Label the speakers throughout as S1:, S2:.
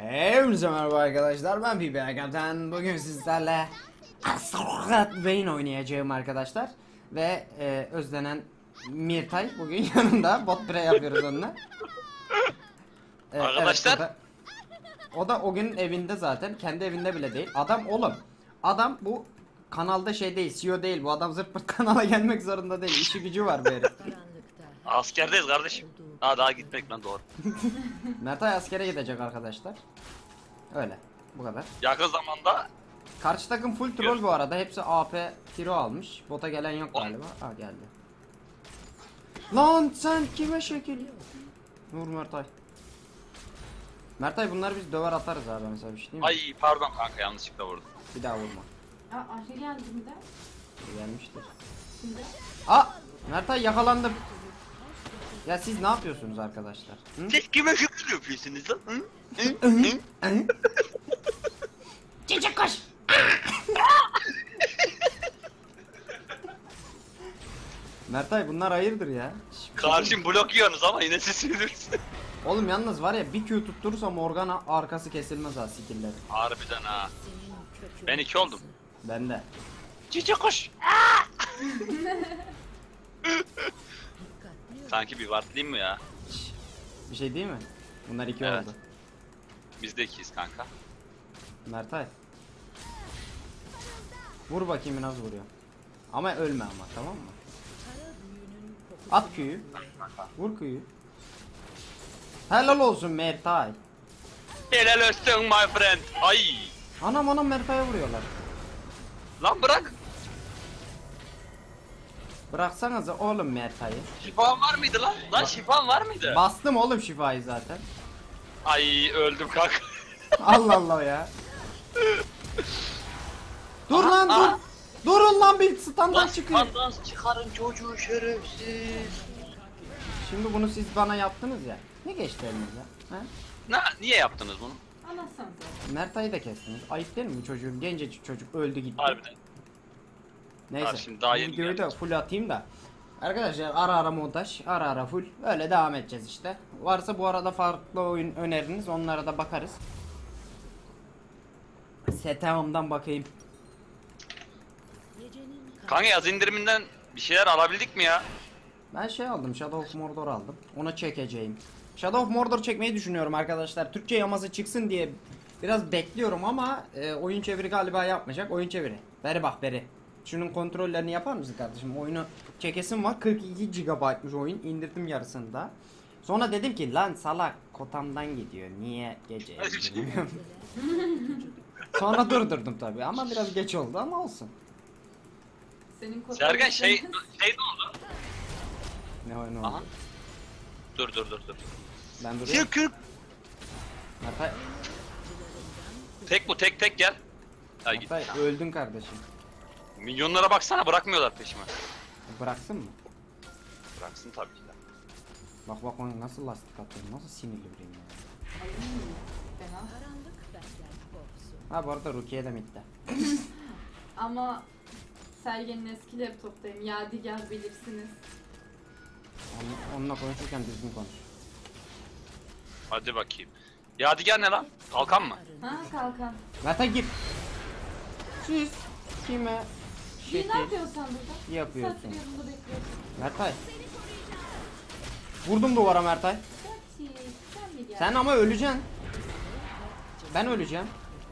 S1: Hepinize merhaba arkadaşlar, ben PB Kaptan. Bugün sizlerle Astrogat Vayne oynayacağım arkadaşlar. Ve özlenen Mirtay bugün yanımda, bot pre yapıyoruz onunla.
S2: Arkadaşlar.
S1: Evet, o da o gün evinde zaten, kendi evinde bile değil. Adam oğlum, adam bu kanalda şey değil, CEO değil, bu adam zırt pırt kanala gelmek zorunda değil, işi gücü var bu herif.
S2: Askerdeyiz kardeşim. Daha gitmek lan doğru.
S1: Mirtay askere gidecek arkadaşlar. Öyle, bu kadar.
S2: Yakın zamanda
S1: Karşı takım full troll bu arada. Hepsi AP tiro almış. Bota gelen yok galiba. Aa geldi. Lan sen kime şekil? Vur Mertay. Mertay bunları biz döver atarız abi, mesela bir şey değil mi?
S2: ay pardon kanka yanlışlıkla vurdum.
S1: Bir daha vurma.
S3: Aa Ayşe geldi mi de?
S1: Gelmiştir.
S3: Şimdi.
S1: Aa Mertay yakalandım. Ya siz ne yapıyorsunuz arkadaşlar? Hı?
S2: Siz kime şükür yapıyorsunuz lan?
S1: Hı? Çiçek koş. Mertay bunlar hayırdır ya?
S2: Karşım blok yiyorsunuz ama yine siz sinirlisiniz.
S1: Oğlum yalnız var ya, bir Q tutturursam Morgana arkası kesilmez ha skill'leri.
S2: Harbiden ha. Ben 2 oldum.
S1: Ben de.
S2: Çiçek koş. Sanki bir wardlayayım mı ya?
S1: Bir şey değil mi? Bunlar iki
S2: Evet.
S1: oldu.
S2: Biz de 2'yiz kanka.
S1: Mertay. Vur bakayım nasıl vuruyor. Ama ölme ama, tamam mı? At Q'yu. Vur Q'yu. Helal olsun Mertay.
S2: Helal olsun my friend. Ay.
S1: Anam Mertay'a vuruyorlar.
S2: Lan bırak.
S1: Bıraksanıza oğlum Mertay'ı.
S2: Şifan var mıydı lan? Lan şifan var mıydı?
S1: Bastım oğlum şifayı zaten.
S2: Ay öldüm kanka.
S1: Allah Allah ya. Dur
S2: Aha,
S1: lan
S2: aha.
S1: dur. Durun lan, bir
S2: Lan
S1: standart çıkıyor.
S2: şifan çıkarın çocuğu şerefsiz.
S1: Şimdi bunu siz bana yaptınız ya. Ne geçti elinize? Ha?
S2: Niye yaptınız bunu?
S3: Anlatsanıza.
S1: Mertay'ı da kestiniz. Ayıp değil mi bu çocuğun? Gencecik çocuk öldü gitti.
S2: Harbiden.
S1: Neyse.
S2: Abi şimdi daha
S1: bu
S2: yeni
S1: videoyu da
S2: geldik.
S1: full atayım da. Arkadaşlar ara montaj, ara full. Öyle devam edeceğiz işte. Varsa bu arada farklı oyun öneriniz, onlara da bakarız. Setağımdan bakayım.
S2: Kanka yaz indiriminden bir şeyler alabildik mi ya?
S1: Ben şey aldım, Shadow of Mordor aldım. Ona çekeceğim. Shadow of Mordor çekmeyi düşünüyorum arkadaşlar. Türkçe yaması çıksın diye biraz bekliyorum ama oyun çeviri galiba yapmayacak. Oyun çeviri. Beri bak beri. Şunun kontrollerini yapar mısın kardeşim? Oyunu çekesim var. 42 GB'mış oyun. İndirdim yarısında. Sonra dedim ki lan salak kotamdan gidiyor. Niye gece indirmiyorum? Sonra durdurdum tabii ama biraz geç oldu ama olsun.
S3: Senin kotan.
S2: Sergen şey ne oldu?
S1: Ne oyunu
S2: Aha.
S1: oldu?
S2: Dur.
S1: Ben duruyorum.
S2: Çıkıp.
S1: Mertay,
S2: Tek bu tek gel. Ay git.
S1: Mertay öldün kardeşim.
S2: Milyonlara baksana bırakmıyorlar peşime.
S1: Bıraksın mı?
S2: Bıraksın tabii ki de.
S1: Bak nasıl lastik atıyorum, nasıl sinirli biriyim ya.
S3: Ay, fena.
S1: Ha bu arada Rukiye de midde.
S3: Ama Sergen'in eski laptoptayım. Yadigar bilirsiniz.
S1: Onunla konuşurken düzgün konuş.
S2: Hadi bakayım. Yadigar ne lan? Kalkan mı?
S3: Ha kalkan.
S1: Mertay gir. Siz kime
S3: Bir ne
S1: şekil
S3: yapıyorsun sen burada?
S1: yapıyorsun?
S3: Saat yanında bekliyorsun.
S1: Mertay. Vurdum duvara Mertay.
S3: Saati, sen mi geldin?
S1: Sen ama öleceksin. Ben öleceğim.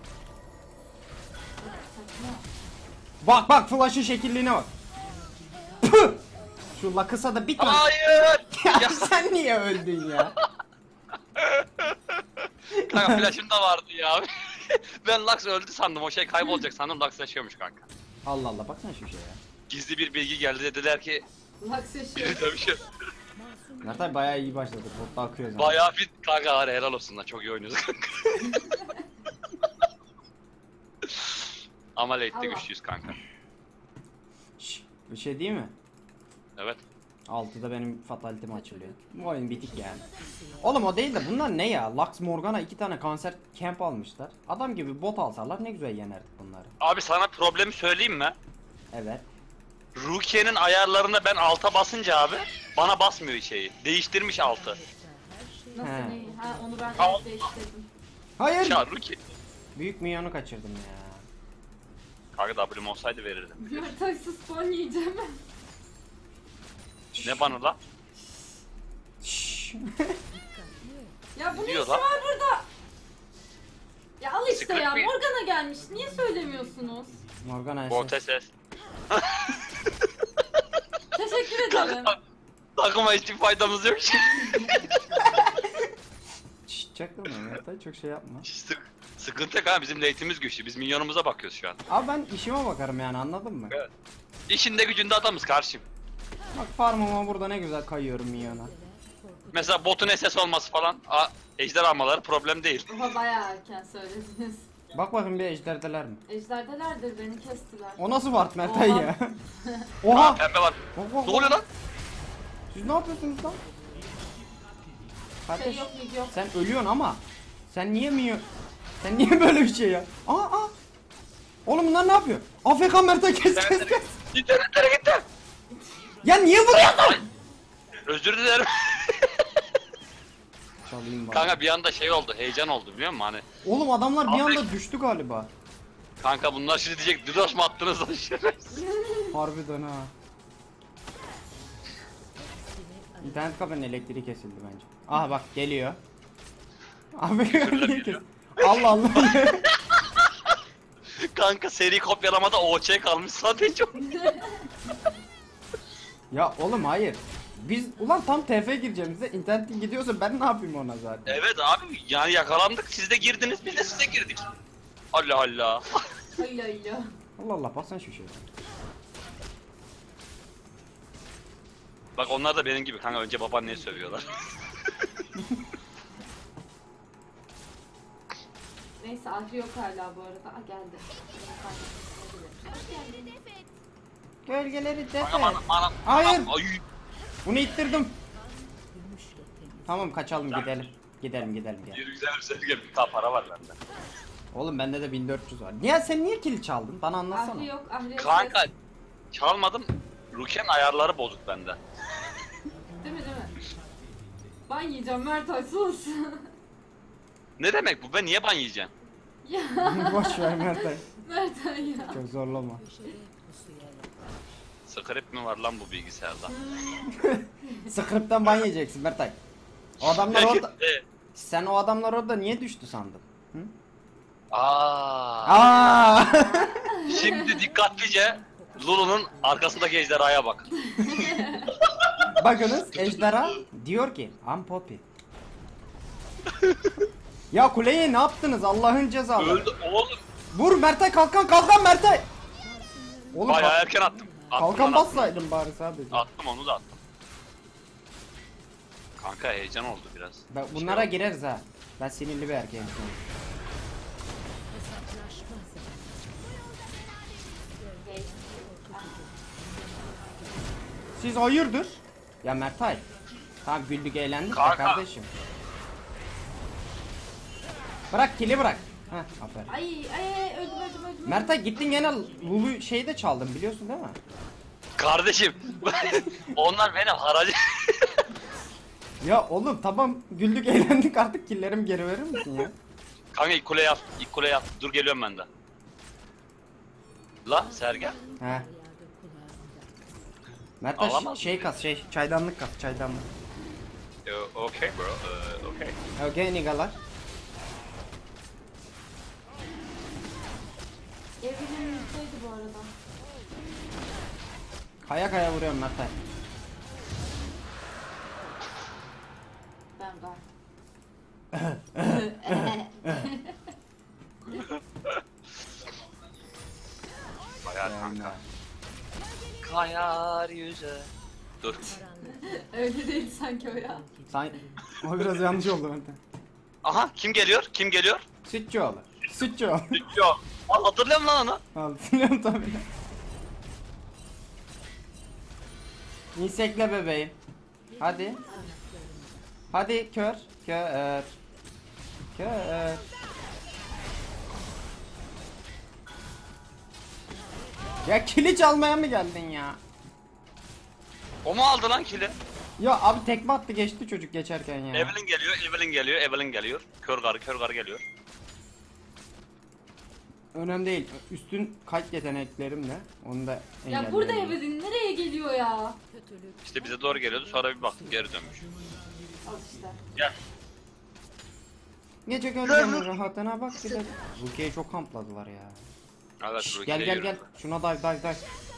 S3: Saçma.
S1: Bak flash'ın şekilliğine bak. Püh! Şu lakısa da bitme.
S2: Hayır.
S1: Ya sen niye öldün ya?
S2: Kanka flash'ım da vardı ya. Ben Lux öldü sandım. O şey kaybolacak sandım. Lux yaşıyormuş kanka.
S1: Allah Allah, baksana şu şeye ya.
S2: Gizli bir bilgi geldi dediler ki
S3: Laks yaşıyor.
S2: tabii şey.
S1: Mertay bayağı iyi başladı. Botta akıyor zaten.
S2: Bayağı fit kanka var helal olsun lan çok iyi oynuyoruz kanka. Ama late'de
S3: Allah.
S2: güçlüyüz kanka.
S1: Şşş, bir şey değil mi?
S2: Evet.
S1: 6'da benim fatality'm açılıyor. Bu oyun bitik yani. Oğlum o değil de bunlar ne ya? Lux Morgana 2 tane kanser camp almışlar. Adam gibi bot alsalar ne güzel yenerdik bunları.
S2: Abi sana problemi söyleyeyim mi?
S1: Evet.
S2: Rukiye'nin ayarlarına ben alta basınca abi bana basmıyor şeyi. Değiştirmiş altı.
S3: Nasıl
S1: He.
S3: neyi? Ha onu ben
S2: Al.
S3: değiştirdim.
S1: Hayır.
S2: Ya Ruki.
S1: Büyük minyonu kaçırdım ya.
S2: Kanka W'm olsaydı verirdim.
S3: Mertaysız spawn yiyeceğim.
S2: Ne bana la?
S1: Şşş.
S3: Ya bu ne
S2: Diyor
S3: işi
S2: lan.
S3: var burada? Ya al işte ya,
S2: Sıkıntı bir-
S3: Morgana gelmiş. Niye söylemiyorsunuz?
S1: Morgana
S2: Bol
S1: SS.
S2: ses.
S3: Teşekkür ederim.
S2: Kanka takıma hiçbir faydamız yok.
S1: Şşş çaktırma Mertay, çok şey yapma.
S2: Sıkıntı yok ha, bizim late'imiz güçlü. Biz minyonumuza bakıyoruz şu an.
S1: Abi ben işime bakarım yani, anladın mı?
S2: Evet. İşinde gücünde adamız karşım.
S1: Bak farmıma burada ne güzel kayıyorum minyona.
S2: Mesela botun SS olması falan, ejder almaları problem değil.
S3: Oha bayağı erken söylediniz.
S1: Bak bakayım bir ejderdeler mi?
S3: Ejderdelerdir, beni kestiler.
S1: O nasıl ward Mertay
S3: Oha.
S1: ya?
S2: Aa,
S1: Oha!
S2: pembe var.
S1: Oha!
S2: Ne oluyor lan?
S1: Siz ne yapıyorsunuz lan? Kardeş,
S3: Şey yok, mid yok.
S1: sen ölüyorsun ama sen niye Sen niye böyle bir şey ya? Aa! Oğlum bunlar ne yapıyor? AFK Mertay, kes.
S2: İnternetlere gitti.
S1: Ya niye vuruyorsun?
S2: Özür dilerim.
S1: Çalayım bari.
S2: Kanka bir anda şey oldu, heyecan oldu biliyor musun hani?
S1: Oğlum adamlar bir
S2: Abi-
S1: anda düştü galiba.
S2: Kanka bunlar şimdi diyecek, DDoS mu attınız lan şerefsiz?
S1: Harbiden ha. İnternet kafenin elektriği kesildi bence. Aha bak geliyor. Abi niye kes? Allah Allah.
S2: Kanka seri kopyalamada OC kalmış sadece.
S1: Ya oğlum hayır. Biz ulan tam TF gireceğimizde internetin gidiyorsa ben ne yapayım ona zaten?
S2: Evet abi, yani yakalandık, siz de girdiniz, biz de size girdik. Allah Allah.
S3: Hayla hayla.
S1: Allah Allah, baksana şu şeye.
S2: Bak onlar da benim gibi kanka, önce babaanneye sövüyorlar.
S3: Neyse Ahri yok hala bu arada. Aa geldi.
S1: Gölgeleri
S2: Kanka
S1: tepe.
S2: bana.
S1: Hayır.
S2: Ay.
S1: Bunu ittirdim. Tamam kaçalım gidelim. Gidelim.
S2: Bir güzel bir sevgi, bir daha para var bende.
S1: Oğlum bende de 1400 var. Niye sen niye kill çaldın? Bana
S3: Ahri
S1: anlatsana.
S3: yok, Ahri yok.
S2: Kanka çalmadım. Ruken ayarları bozuk bende.
S3: Değil mi? Ben yiyeceğim Mertay, sus.
S2: Ne demek bu? Ben niye ban yiyeceğim?
S3: Ya
S1: Boş ver Mertay.
S3: Mertay ya.
S1: Çok zorlama.
S2: Script mi var lan bu bilgisayarda?
S1: Script'ten ban yiyeceksin Mertay. O adamlar orada.
S2: Evet.
S1: Sen o adamlar orada niye düştü sandın? Hı?
S2: Aa.
S1: Aa!
S2: Şimdi dikkatlice Lulu'nun arkasındaki ejderhaya bak.
S1: Bakınız ejderha diyor ki I'm Poppy. Ya kuleye ne yaptınız Allah'ın cezaları?
S2: Öldü oğlum.
S1: Vur Mertay, kalkan Mertay. Oğlum
S2: Bayağı erken attım.
S1: kalkan
S2: lan, attım.
S1: bassaydın bari sadece.
S2: Attım, onu da attım. Kanka heyecan oldu biraz.
S1: Bunlara gireriz ha. Ben sinirli bir erkeğim. Siz hayırdır? Ya Mertay. Tamam güldük eğlendik de
S2: Kanka.
S1: kardeşim. Bırak kili bırak. Heh aferin.
S3: Ay öldüm.
S1: Mertay gittin gene Lulu şeyde çaldın biliyorsun değil mi?
S2: Kardeşim. Onlar benim haracı.
S1: Ya oğlum tamam güldük eğlendik, artık killerimi geri verir misin ya?
S2: Kanka ilk kule yap. İlk kule yap. Dur geliyorum ben de. La Sergen.
S1: He. Mertay
S2: Alamaz
S1: şey
S2: mı?
S1: kas çaydanlık kas çaydanlık.
S2: Okay bro. Okay.
S1: Okay nigalar.
S3: Evrenin yüzdeydi bu arada.
S1: Kaya vuruyorum Mertay.
S3: Ben var.
S2: Bayağı
S1: Yani.
S2: kanka. Kayar yüze. Dur.
S3: Öyle değil sanki o ya.
S1: O biraz yanlış oldu Mertay.
S2: Aha kim geliyor? Kim geliyor?
S1: Sütçüoğlu. Sütçüoğlu.
S2: Yok. Hatırlıyorum lan onu.
S1: Hatırlıyorum tabii. İnsekle bebeğim. Hadi. Hadi kör. Kör. Ya kili çalmaya mı geldin ya?
S2: O mu aldı lan kili?
S1: Ya abi tekme attı geçti çocuk geçerken ya.
S2: Evelyn geliyor. Kör garı geliyor.
S1: Önemli değil. Üstün kalp yeteneklerimle onu da
S3: Ya burada
S1: engelleyebilirim.
S3: Evelyn nereye geliyor ya?
S2: İşte bize doğru geliyordu sonra bir baktık geri dönmüş.
S3: Al işte.
S2: Gel.
S1: Gece gölgenin rahatına bak bir de. Rukiye'yi çok kampladılar ya.
S2: Evet,
S1: Şşş,
S2: Rukiye
S1: gel gel
S2: yürü.
S1: gel. Şuna dive.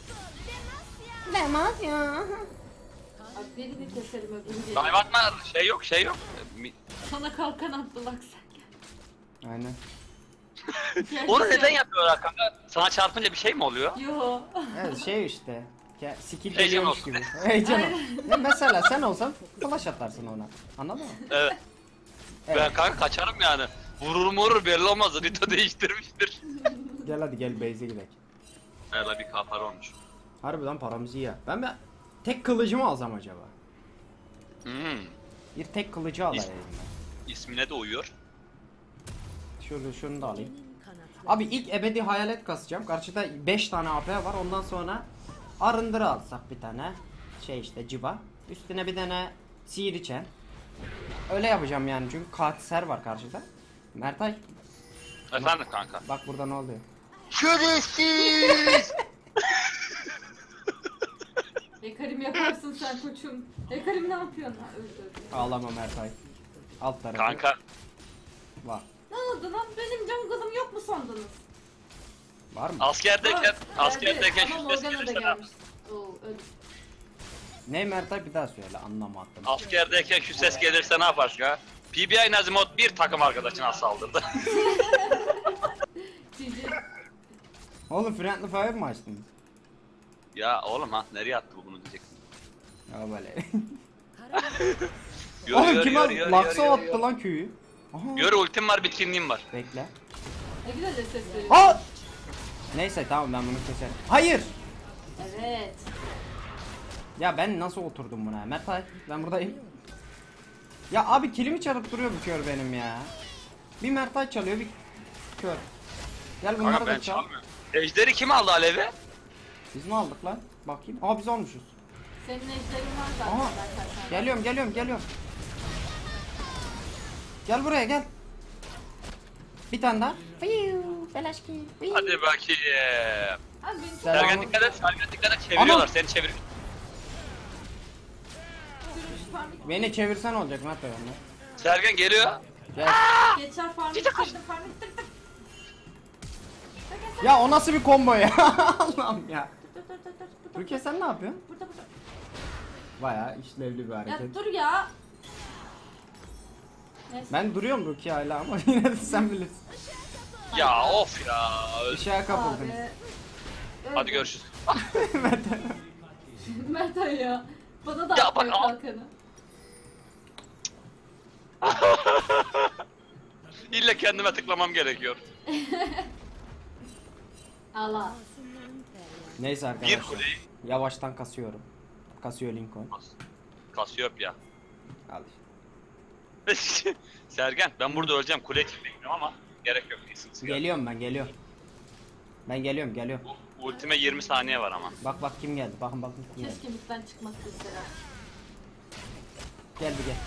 S1: Demez ya.
S3: Abi birini keselim öbürünü.
S2: Dive atma, şey yok.
S3: Sana kalkan attılar sen.
S1: Aynen.
S2: Onu neden yapıyorlar kanka? Sana çarpınca bir şey mi oluyor?
S3: Yo.
S1: Evet şey işte. Skill
S2: Heyecan
S1: geliyormuş
S2: olsun.
S1: gibi. Heyecan ol. Ya mesela sen olsan flash atarsın ona. Anladın mı?
S2: Evet.
S1: Evet.
S2: Ben kanka kaçarım yani. Vurur belli olmaz. Rito değiştirmiştir.
S1: Gel hadi gel base'e gidelim.
S2: Hele bir kapar olmuş.
S1: Harbiden paramızı ya. Ben tek kılıcı mı alsam acaba?
S2: Hmm.
S1: Bir tek kılıcı alayım ben.
S2: İsmine de uyuyor.
S1: Şunu da alayım. Abi ilk ebedi hayalet kasacağım. Karşıda 5 tane AP var. Ondan sonra arındırı alsak bir tane. Şey işte civa. Üstüne bir tane sihir içen. Öyle yapacağım yani çünkü katisler var karşıda. Mertay
S2: Efendim kanka.
S1: bak burada ne oluyor?
S2: Şerefsiz!
S3: Ekarim yaparsın sen koçum. Ekarim ne yapıyorsun? Ha, öldü.
S1: Ağlama Mertay. Alt tarafı
S2: Kanka
S1: var.
S3: Ne oldu lan? Benim can kızım yok mu sandınız?
S1: Var mı?
S2: askerdeyken
S3: Ama
S2: şu ses
S3: Morgana da
S2: gelirse
S3: gelmiş. Oo öldü.
S1: Ne Mertay bir daha söyle anlamadım.
S2: askerdeyken şu ses gelirse ne yaparsın ha? PBI Nazimot bir takım arkadaşına saldırdı.
S3: Cici.
S1: Oğlum Friendly Fire mı açtın?
S2: Ya oğlum ha nereye attı bu bunu diyeceksin.
S1: Ya böyle.
S2: Yürü,
S1: Oğlum
S2: yürü,
S1: kim
S2: yürü, yürü,
S1: Laksa
S2: yürü,
S1: attı
S2: yürü.
S1: lan köyü. Aha.
S2: Yürü, ultim var, bitkinliğim var.
S1: Bekle.
S3: Ne güzel de ses veriyor.
S1: Aa! Neyse tamam ben bunu keserim. Hayır.
S3: Evet.
S1: Ya ben nasıl oturdum buna? Mertay ben buradayım. Ya abi kilimi çalıp duruyor bu kör benim ya. Bir Mertay çalıyor bir kör. Gel bunları
S2: Kanka ben
S1: da çal.
S2: çalmıyorum. Ejderi kim aldı Alev'i?
S1: Biz mi aldık lan? Bakayım. Aa biz almışız.
S3: Senin ejderin var zaten.
S1: Aha.
S3: Zaten.
S1: Geliyorum. Gel buraya gel. Bir tane daha. Fiyu, Belaşki. Fiyu.
S2: Hadi bakayım.
S3: Abi beni çok
S1: Selam.
S2: Sergen dikkat et, çeviriyorlar,
S1: Ama-
S2: seni çevir.
S3: sürmüş farmik.
S1: Beni çevirsen olacak Mertay onlar.
S2: Sergen geliyor.
S1: Gel.
S3: Geçer farmik tıktım farmik tıktım.
S1: Ya o nasıl bir combo ya? Allah'ım ya.
S3: Dur.
S1: Türkiye sen ne yapıyorsun?
S3: Burada.
S1: Bayağı işlevli bir
S3: Ya
S1: hareket.
S3: dur ya. Neyse.
S1: Ben duruyorum Rukiye hala ama yine de sen bilirsin.
S2: Ya of ya.
S1: Işığa kapıldın.
S3: Abi.
S2: Hadi
S3: Öldü.
S2: görüşürüz.
S3: Mert Ali ya. Bana da
S2: Ya
S3: atmıyor
S2: bak-
S3: kalkanı.
S2: İlle kendime tıklamam gerekiyor.
S3: Allah.
S1: Neyse
S2: Bir
S1: arkadaşlar.
S2: kuleyi.
S1: Yavaştan kasıyorum. Kasıyor Lincoln.
S2: Kasiyopya.
S1: Al işte.
S2: Sergen ben burada öleceğim, kule çıkmayacağım ama gerek yok. İyisin.
S1: Geliyorum ben geliyorum. Ben geliyorum.
S2: Ultime 20 saniye var ama.
S1: Bak kim geldi. Bakın kim geldi.
S3: Keşke midden çıkmak istedim.
S1: Gel bir gel.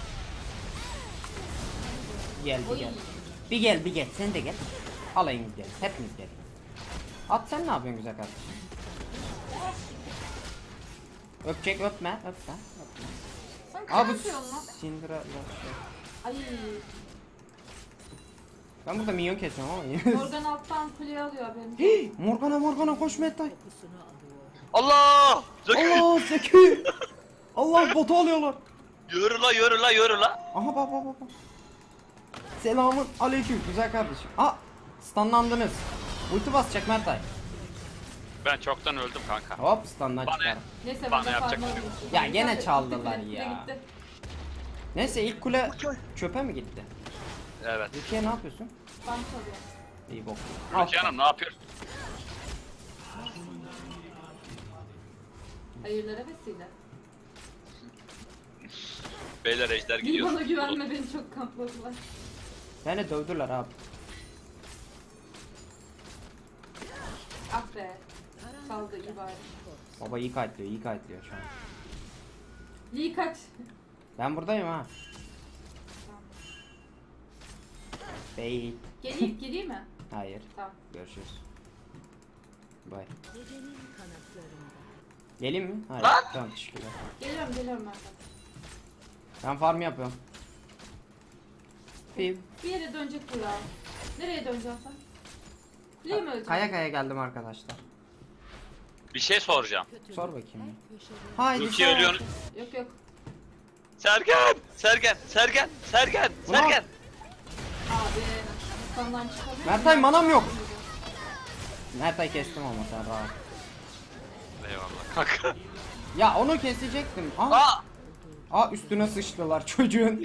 S1: Gel bir
S3: Oy.
S1: gel. Bir gel. Sen de gel. Alayınız gel. Hepiniz gel. At sen ne yapıyorsun güzel kardeşim? Öpecek öpme.
S3: Sen
S1: Abi
S3: ne yapıyorsun lan?
S1: Syndra.
S3: Ay.
S1: Ben burada minyon kesiyorum ama.
S3: Morgan alttan kuleyi alıyor benim.
S1: Morgana koş Mettay.
S2: Allah! Zeki!
S1: Allah Zeki. Allah botu alıyorlar.
S2: Yürü la.
S1: Aha bak. Selamun aleyküm güzel kardeşim. Aa stunlandınız. Ulti basacak Mertay.
S2: Ben çoktan öldüm kanka.
S1: Hop stundan
S2: Bana-
S1: çıkar.
S3: Neyse
S2: Bana
S3: ben de
S2: yapacak
S3: farmı
S2: bir şey yok.
S3: almışım.
S1: Ya gene
S3: Gitti,
S1: çaldılar
S3: gitti,
S1: ya.
S3: gitti.
S1: Neyse ilk kule çöpe mi gitti?
S2: Evet.
S1: Rukiye ne yapıyorsun?
S3: Ben çalıyorum.
S1: İyi bok.
S2: Rukiye Hanım ne yapıyor?
S3: Hayırlara vesile.
S2: Beyler ejder
S3: Bir
S2: gidiyor.
S3: bana güvenme beni çok kampladılar.
S1: Beni dövdüler abi.
S3: Ah be. Çaldı iyi bari.
S1: Baba iyi kayıtlıyor şu an.
S3: Lee kaç.
S1: Ben buradayım ha. Bey.
S3: Gireyim mi?
S1: Hayır.
S3: Tamam.
S1: Görüşürüz. Bye.
S4: Gecenin kanatlarında.
S1: Geleyim mi? Hayır.
S2: Lan!
S1: Tamam teşekkürler.
S3: Geliyorum ben de.
S1: Ben farm yapıyorum. Bir
S3: Bir yere dönecek bu ya. Nereye döneceksin sen? Kuleye mi öleceksin?
S1: kaya kaya geldim arkadaşlar.
S2: Bir şey soracağım.
S1: Sor bakayım.
S4: Her köşede
S1: Haydi
S2: Rukiye
S1: sor.
S2: ölüyorsun.
S3: Yok yok.
S2: Sergen! Sergen! Sergen! Sergen!
S1: Ulan!
S2: Sergen!
S3: Abi. Kandan çıkamıyor.
S1: Mertay, manam yok. Mertay kestim ama sen rahat.
S2: Eyvallah kanka.
S1: Ya onu kesecektim. Aa,
S2: Aa!
S1: aa üstüne sıçtılar çocuğun.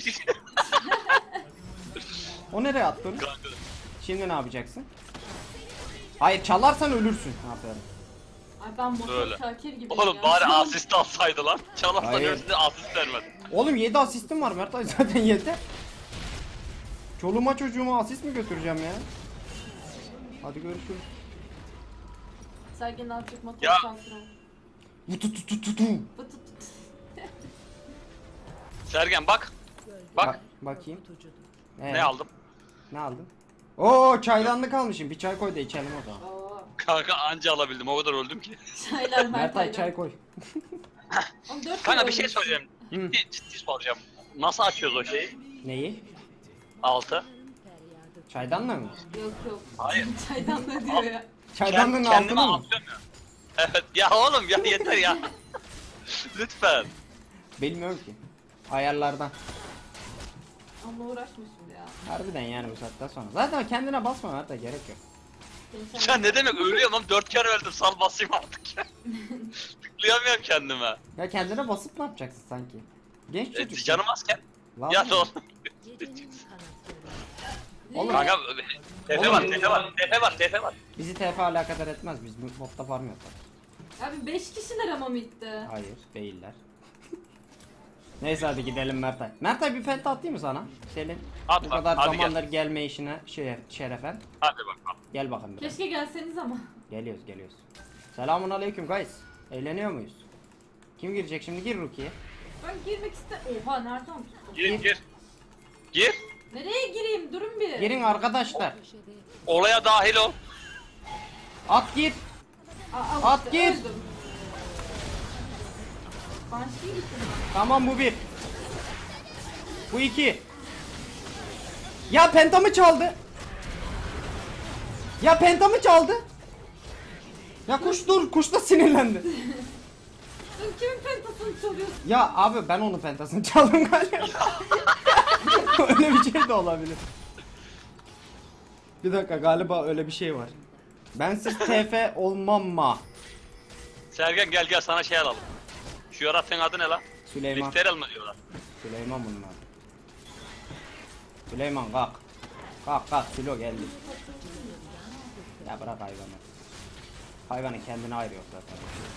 S1: O nereye attın?
S2: Kanka.
S1: Şimdi ne yapacaksın? Hayır, çalarsan ölürsün. Aferin.
S3: Ay ben
S2: Öyle.
S3: motor Şakir gibi.
S2: Oğlum bari asist alsaydı lan. Çalarsan
S1: Hayır.
S2: ölsün asist vermedi.
S1: Oğlum 7 asistim var Mertay, zaten yeter. Çoluğuma çocuğuma asist mi götüreceğim ya? Hadi görüşürüz.
S3: Sergen azıcık motor
S2: Ya.
S3: Şakir ol.
S1: Vutututututu.
S3: Vıt vıt vıt.
S2: Sergen bak. Bak.
S1: Bakayım.
S4: tutucudur.
S2: Ne aldım?
S1: Ne aldın? Oo, çaydanlık almışım. Bir çay koy da içelim o zaman.
S3: Oo.
S2: Kanka anca alabildim. O kadar öldüm ki.
S3: Çaylar
S1: Mertay çay koy.
S3: Oğlum 4
S2: Kanka
S3: kere
S2: bir şey
S3: ölmüşsün.
S2: söyleyeceğim. Ciddi soracağım. Nasıl açıyoruz o şeyi?
S1: Neyi?
S2: Altı.
S4: Feryadı.
S1: Çaydanlığı mı?
S3: Yok yok.
S2: Hayır.
S3: Çaydan ne diyor ya?
S1: Çaydanlığın
S2: Kendime
S1: altını mı?
S2: atıyorum ya. Evet ya oğlum ya yeter ya. Lütfen.
S1: Bilmiyorum ki. Ayarlardan.
S3: Onunla uğraşma şimdi ya.
S1: Harbiden yani bu saatten sonra. Zaten kendine basma Mertay, gerek yok.
S3: Seni
S2: Ya ne demek ölüyorum lan 4 kere öldüm sal basayım artık ya. Tıklayamıyorum kendime.
S1: Ya kendine basıp ne yapacaksın sanki? Genç çocuk.
S2: Canım azken.
S1: Vallahi.
S2: Ya da oğlum.
S4: Gecenin kanatlarında.
S1: Oğlum,
S2: Kanka tepe var tepe var tepe var tepe var.
S1: bizi TF alakadar etmez. Biz bu botta farm yaparız.
S3: Abi 5 kişiler ama midde.
S1: Hayır, değiller. Neyse hadi gidelim Mertay. Mertay bir penta atayım mı sana? Selin.
S2: At
S1: Bu
S2: bak,
S1: kadar
S2: hadi
S1: zamandır gelme işine şerefen.
S2: Hadi bakalım.
S1: Gel bakalım biraz.
S3: Keşke gelseniz ama.
S1: Geliyoruz. Selamun aleyküm guys. Eğleniyor muyuz? Kim girecek şimdi? Gir Rukiye.
S3: Ben girmek Oha nereden tuttum?
S2: Gir. Gir.
S3: Nereye gireyim? Durun bir.
S1: Girin arkadaşlar.
S4: Köşede
S2: Olaya dahil ol.
S1: At gir.
S3: Aa,
S1: At gir.
S3: öldüm. Banshee gittim.
S1: Tamam, bu bir. Bu iki. Ya pentamı çaldı. Ya pentamı çaldı. Ya kuş dur. Kuş da sinirlendi.
S3: Sen kimin pentasını çalıyorsun?
S1: Ya abi ben onun pentasını çaldım galiba. Öyle bir şey de olabilir. Bir dakika, galiba öyle bir şey var. Bensiz TF olmam ma.
S2: Sergen gel sana şey alalım. Şu yaratığın adı ne lan?
S1: Süleyman.
S2: Lifterel mi diyorlar?
S1: Süleyman bunlar. Süleyman kalk. Kalk Sülo geldi. Ya bırak hayvanı. Hayvanın kendine ayrı yok zaten.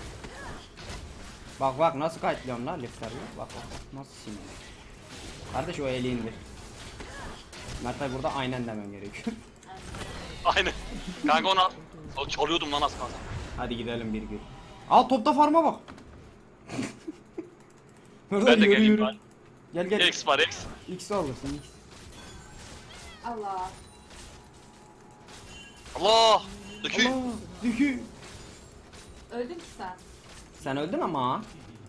S1: Bak nasıl kayıtlıyorum lan lifterle. Bak nasıl sinirli. Kardeş o eli indir. Mertay burada aynen demem gerekiyor.
S2: Aynen. Kanka onu al. O çalıyordum lan az kalsın.
S1: Hadi gidelim bir gün. Al topta farma bak. Burada
S2: Ben de
S1: yürü
S2: geleyim
S1: yürü.
S2: bari.
S1: Gel.
S2: X var X.
S1: X alırsın X.
S3: Allah.
S2: Allah. Dökü.
S1: Allah dükü.
S3: Öldün ki sen.
S1: Sen öldün ama.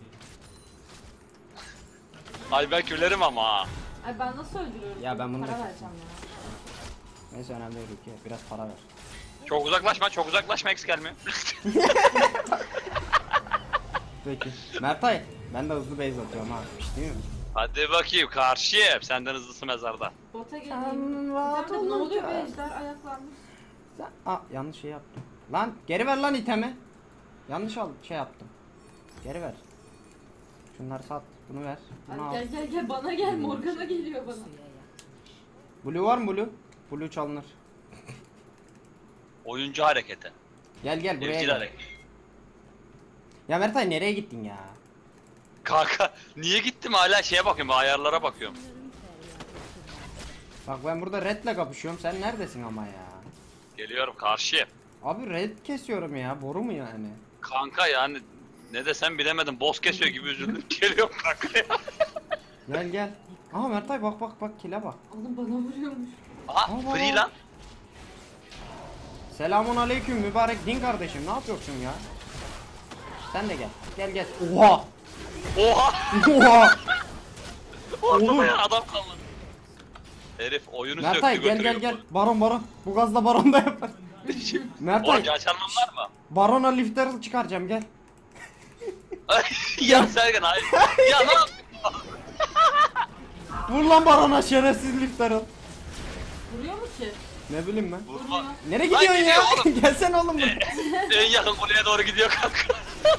S2: Ay ben külerim ama ha.
S3: Ay ben nasıl öldürüyorum?
S1: Ya ben bunu
S3: Para
S1: da-
S3: vereceğim ya.
S1: Neyse önemli değil Rukiye. Biraz para ver.
S2: Çok uzaklaşma X gelmiyor.
S1: Peki. Mertay ben de hızlı base atıyorum ha. Hiç değil mi?
S2: Hadi bakayım karşıya. Senden hızlısı mezarda.
S3: Bota geleyim.
S1: Sen rahat
S3: Bir tane de ne oluyor
S1: olunca-
S3: be ejder ayaklanmış.
S1: Aa yanlış şey yaptım. Lan geri ver lan itemi. Yanlış şey yaptım. Geri ver. Şunları sat. Bunu ver. Bunu al.
S3: Hadi gel bana gel Morgana geliyor bana.
S4: suya yaklaşmış.
S1: Blue var mı Blue? Blue çalınır.
S2: Oyuncu hareketi.
S1: Gel buraya
S2: Evcil
S1: gel.
S2: hareket.
S1: Ya Mertay nereye gittin ya?
S2: Kanka niye gittim hala şeye bakıyorum ayarlara bakıyorum.
S4: Onların feryadı
S1: Bak ben burada redle kapışıyorum. Sen neredesin ama ya?
S2: Geliyorum karşıya.
S1: Abi red kesiyorum ya. Boru mu yani?
S2: Kanka yani ne desem bilemedim. Boss kesiyor gibi üzüldüm. Geliyorum kanka ya.
S1: Gel. Aha Mertay bak kile bak.
S3: Oğlum bana vuruyormuş.
S2: Aha
S1: Allah.
S2: free lan.
S1: Selamun aleyküm mübarek din kardeşim, ne yapıyorsun ya? Sen de gel. Gel gel. Oha!
S2: Oha!
S1: Oha!
S2: Ortada
S1: Oğlum.
S2: ya adam kalmadı. Herif oyunu
S1: Mertay
S2: söktü
S1: gel
S2: götürüyor.
S1: gel gel. Baron. Bu gazla baron da yapar. Mertay
S2: Oğlum açarmam var mı?
S1: barona lifter çıkaracağım gel.
S2: Ya Sergen hayır. Ya ne yapıyorsun?
S1: Vur lan barona şerefsiz lifter al.
S3: Vuruyor mu ki?
S1: Ne bileyim ben.
S2: Vurma.
S1: Nereye
S2: Lan
S1: gidiyorsun ya?
S2: gidiyor oğlum.
S1: Gelsene oğlum buraya.
S2: En yakın kuleye doğru gidiyor kanka.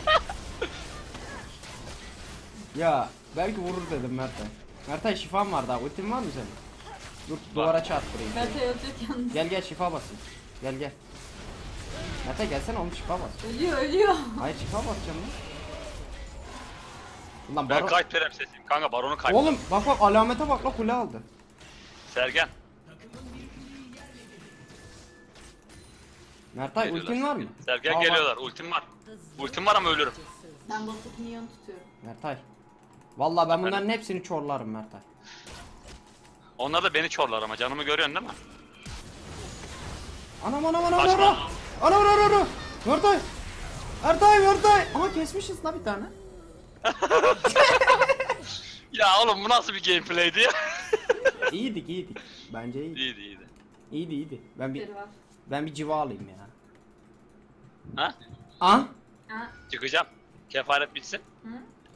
S1: Ya belki vurur dedim Mertay. Mertay şifan var daha. Ultin var mı senin? Dur duvara çarptırayım.
S3: Mertay ölecek yalnız.
S1: Gel gel şifa basın. Gel gel. Mertay gelsene oğlum şifa bas.
S3: Ölüyor.
S1: Hayır şifa basacağım lan. Ulan
S2: Ben
S1: baron.
S2: kayıp prensesiyim kanka baronu kayıp.
S1: Oğlum bak bak alamete bak la kule aldı.
S2: Sergen.
S1: Mertay
S2: Geliyorlar.
S1: ultin var mı?
S2: Sergen
S1: Aa,
S2: geliyorlar ultim var. Ultim var ama ölürüm.
S3: Ben bottaki minyon tutuyorum.
S1: Mertay. Vallahi ben bunların hepsini çorlarım Mertay.
S2: Onlar da beni çorlar ama canımı görüyorsun değil mi?
S1: Anam.
S2: Kaçma.
S1: Anam. Mertay. Mertay. Ama kesmişiz la bir tane.
S2: Ya oğlum bu nasıl bir gameplay'di ya?
S1: İyiydik. Bence iyiydi.
S2: İyiydi.
S3: Biri var.
S1: Ben bir civa alayım ya.
S2: Ha?
S1: Ah?
S3: Ha?
S2: Çıkacağım. Kefaret bitsin.
S3: Hı?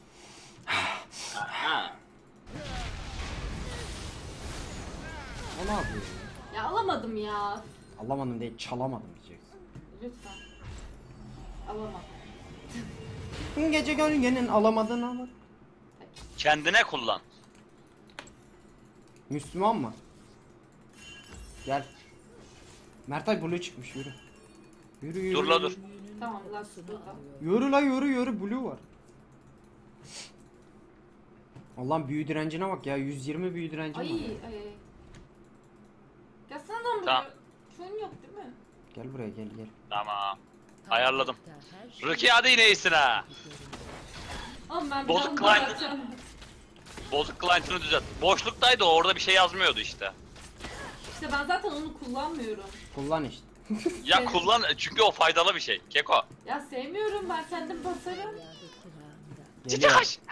S2: Ha.
S1: O ne yapıyor?
S3: Ya alamadım ya.
S1: Alamadım değil çalamadım diyeceksin.
S3: Lütfen. Alamam.
S1: Gece gölgenin alamadığını bak.
S2: Kendine kullan.
S1: Müslüman mı? Gel. Mertay blue çıkmış yürü. Yürü.
S2: Dur la dur.
S3: Tamam Lux burada.
S1: Yürü blue var. Allah'ım büyü direncine bak ya 120 büyü direncim
S3: Ay
S1: var.
S3: ay. Gelsene lan buraya.
S2: Tamam.
S3: Şun yok değil mi?
S1: Gel buraya gel.
S2: Tamam. Ayarladım.
S4: Her şey
S2: Ruki hadi yine iyisin ha.
S3: Oğlum ben
S2: Bozuk
S3: can
S2: client.
S3: bırakacağım.
S2: Bozuk client'ını düzelt. Boşluktaydı o, orada bir şey yazmıyordu işte.
S3: İşte ben zaten onu kullanmıyorum.
S1: Kullan işte.
S2: Ya
S3: Evet.
S2: kullan çünkü o faydalı bir şey. Keko.
S3: Ya sevmiyorum ben kendim basarım.
S4: feryadı kulağımda.
S2: Cici
S1: Geliyor.
S2: kaç.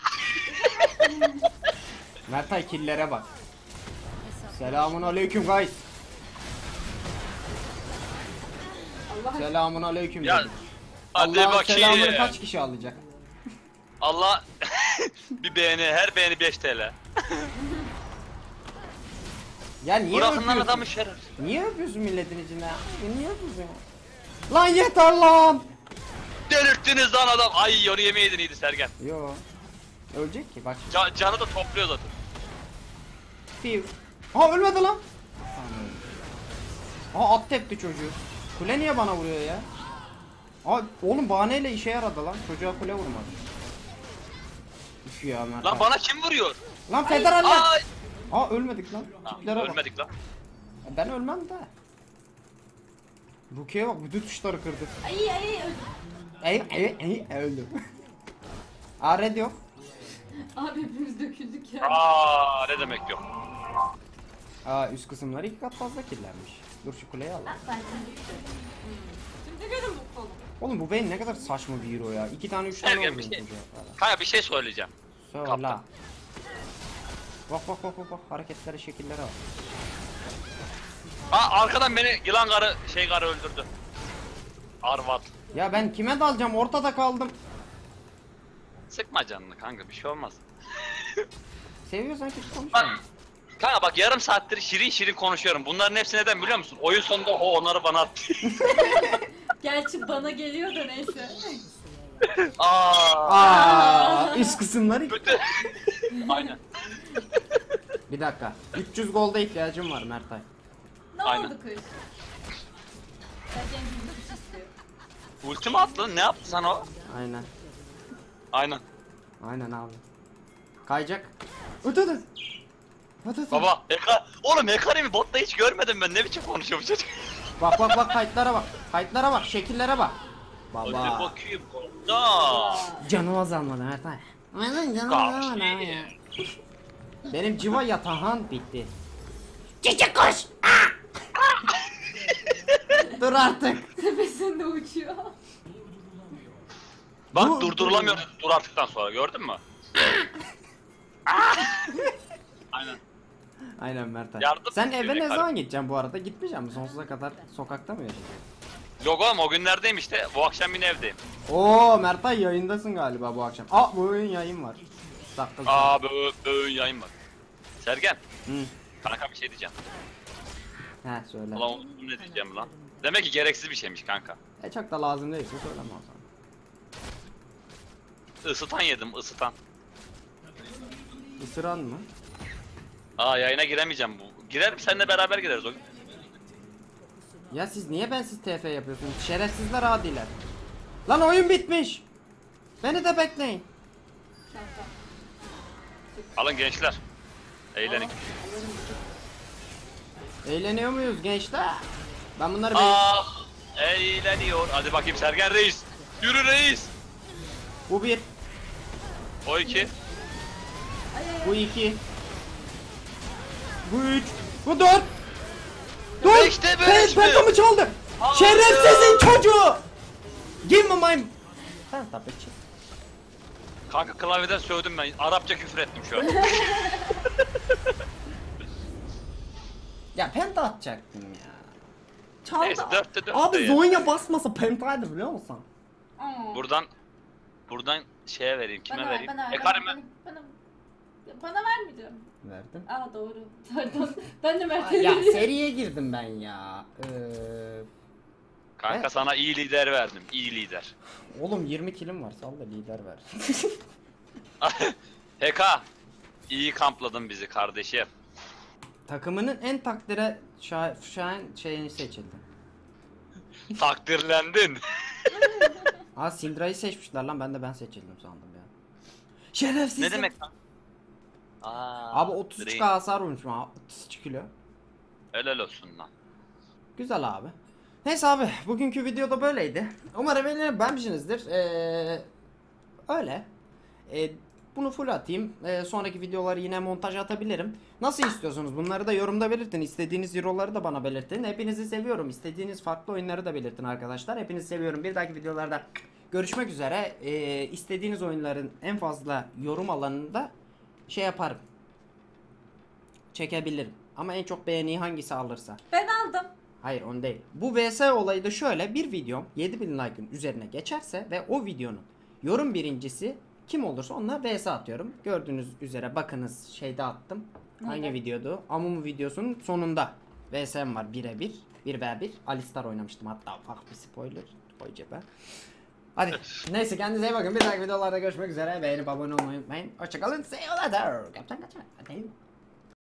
S1: Mertay killere bak. Selamun aleyküm guys.
S3: Allah aşkına.
S1: Selamun aleyküm
S2: Ya
S1: dedim.
S2: hadi
S1: Allah'ın selamını
S2: bakayım.
S1: kaç kişi alacak?
S2: Allah bir beğeni, her beğeni 5 TL.
S1: Ya niye
S2: Bırakın lan
S1: öpüyorsun?
S2: adamı şeref.
S1: Niye öpüyorsun milletin içinde ya? Niye öpüyorsun ya? Lan yeter lan!
S2: Delirttiniz lan adam. Ay onu yemeydin iyiydi Sergen.
S1: Yo. Ölecek ki bak.
S2: Canı da topluyor zaten.
S1: Piu. Aa ölmedi lan. Aa at tepti çocuğu. Kule niye bana vuruyor ya? Aa oğlum bahaneyle işe yaradı lan. Çocuğa kule vurmadı. Üf ya Mert.
S2: Lan bana kim vuruyor?
S1: Lan federaller.
S2: Ay.
S1: Aa ölmedik lan. Tiplere bak.
S2: Ölmedik lan.
S1: Ben ölmem de. Rukiye bak bütün tuşları kırdı.
S3: Ay
S1: Öldüm. Aa red yok.
S3: abi hepimiz döküldük ya.
S2: Aa ne demek yok.
S1: Aa üst kısımları 2 kat fazla kirlenmiş. Dur şu kuleyi al.
S3: Ben şimdi Şimdi görün bu kolu.
S1: Oğlum bu beyin ne kadar saçma bir hero ya. 2 tane 3 tane
S2: Sergen
S1: oldu
S2: bir şey.
S1: çocuğa falan.
S2: Kanka bir şey söyleyeceğim.
S1: Söyle.
S2: Kaptan.
S1: Bak hareketlere şekillere bak.
S2: Aa arkadan beni yılan karı öldürdü. Arvat.
S1: Ya ben kime dalacağım ortada kaldım.
S2: Sıkma canını kanka bir şey olmaz.
S1: Seviyorsan ki konuş.
S2: Bak, kanka bak yarım saattir şirin konuşuyorum. Bunların hepsi neden biliyor musun? Oyun sonunda onları bana attı.
S3: Gerçi bana geliyor da neyse.
S2: Aa.
S1: Üst kısımları.
S2: Kötü. Aynen.
S1: Bir dakika. 300 golda ihtiyacım var Mertay.
S3: Ne
S2: Aynen.
S3: oldu kız? Sergen gizli bir şey istiyor.
S2: Ultimi attın ne yaptın sen o?
S1: Aynen.
S2: Aynen.
S1: Aynen abi. Kayacak. Ötede.
S2: Baba oğlum Hekarimi botta hiç görmedim ben, ne biçim konuşuyor bu çocuk.
S1: Bak kayıtlara bak. Kayıtlara bak, şekillere bak.
S2: Hadi
S1: Baba.
S2: bakayım komutan.
S1: Canım azalmadı Mertay. Aynen canım azalmadı abi ya. Benim civa yatahan bitti. Cici koş. Dur artık.
S3: Tepesinde uçuyor.
S2: Bak
S1: Dur,
S2: durdurulamıyor dur artıktan sonra gördün mü? Aynen.
S1: Aynen Mert abi.
S2: Yardım
S1: Sen
S2: istiyor
S1: eve ne
S2: Ekarım.
S1: zaman gideceksin bu arada? Gitmeyeceksin mi? Sonsuza kadar sokakta mı yaşayacaksın?
S2: Yok oğlum o günlerdeyim işte. Bu akşam yine evdeyim.
S1: Oo Mertay yayındasın galiba bu akşam. Aa bu oyun yayın var. Dakika.
S2: Aa böğün yayın var. Sergen.
S1: Hı.
S2: Kanka bir şey diyeceğim.
S1: He söyle.
S2: Ulan unuttum ne diyeceğim lan. Demek ki gereksiz bir şeymiş kanka.
S1: Çok da lazım değilse söyleme o zaman.
S2: Isıtan yedim ısıtan.
S1: Isıran mı?
S2: Aa yayına giremeyeceğim bu. Girerim seninle beraber gireriz o gün.
S1: Ya siz niye bensiz TF yapıyorsunuz? Şerefsizler adiler. Lan oyun bitmiş. Beni de bekleyin.
S3: Şaka.
S2: Alın gençler. Eğlenin.
S1: Eğleniyor muyuz gençler? Ben bunları
S2: Ah eğleniyor. Hadi bakayım Sergen Reis. Yürü reis.
S1: Bu bir,
S2: O iki.
S1: bu iki, bu üç, bu dört. Dur!
S2: Beşte beş mi?
S1: Pentamı çaldı.
S2: Hayır.
S1: Şerefsizin çocuğu. Give me my... Ben tabii ki.
S2: Kanka klavyeden sövdüm ben. Arapça küfür ettim şu an.
S1: Ya penta atacaktım ya. Çaldı.
S2: Neyse, dörtte dört
S1: Abi
S2: de ya.
S1: Zonya basmasa pentaydı biliyor musun?
S3: Aa.
S2: Buradan şeye vereyim. Kime
S3: Bana
S2: vereyim?
S3: ver, bana ver.
S2: Ekarime.
S3: Bana vermeyeceğim.
S1: Verdim.
S3: Aa doğru. Pardon. Ben de Mert'e
S1: Ya
S3: vereyim.
S1: seriye girdim ben ya.
S2: Kanka
S1: Evet.
S2: sana iyi lider verdim. İyi lider.
S1: Oğlum 20 kilim var sal da lider ver.
S2: Heka. İyi kampladın bizi kardeşim.
S1: Takımının en takdire şayan şeyini seçildi.
S2: Takdirlendin.
S1: Aa Syndra'yı seçmişler lan ben seçildim sandım ya. Şerefsiz.
S2: Ne demek lan? Aa,
S1: Abi 33k hasar vurmuşum abi 33 kilo.
S2: Helal olsun lan.
S1: Güzel abi. Neyse abi bugünkü videoda böyleydi. Umarım beğenmişsinizdir. Öyle. Bunu full atayım. Sonraki videoları yine montaj atabilirim. Nasıl istiyorsunuz? Bunları da yorumda belirtin. İstediğiniz euroları da bana belirtin. Hepinizi seviyorum. İstediğiniz farklı oyunları da belirtin arkadaşlar. Hepinizi seviyorum. Bir dahaki videolarda görüşmek üzere. İstediğiniz oyunların en fazla yorum alanında şey yaparım. Çekebilirim. Ama en çok beğeniyi hangisi alırsa.
S3: Ben aldım.
S1: Hayır on değil. Bu VS olayı da şöyle bir videom 7000 like'ın üzerine geçerse ve o videonun yorum birincisi kim olursa onunla VS atıyorum. Gördüğünüz üzere bakınız şeyde attım. Hangi
S3: Nerede?
S1: videodu? Amumu videosunun sonunda VS'm var birebir. 1v1. Alistar oynamıştım hatta ufak bir spoiler. Koy cebe. Hadi neyse kendinize iyi bakın. Bir dahaki videolarda görüşmek üzere. Beğenip abone olmayı unutmayın. Hoşçakalın. See you later. Kaptan kaçar. Hadi.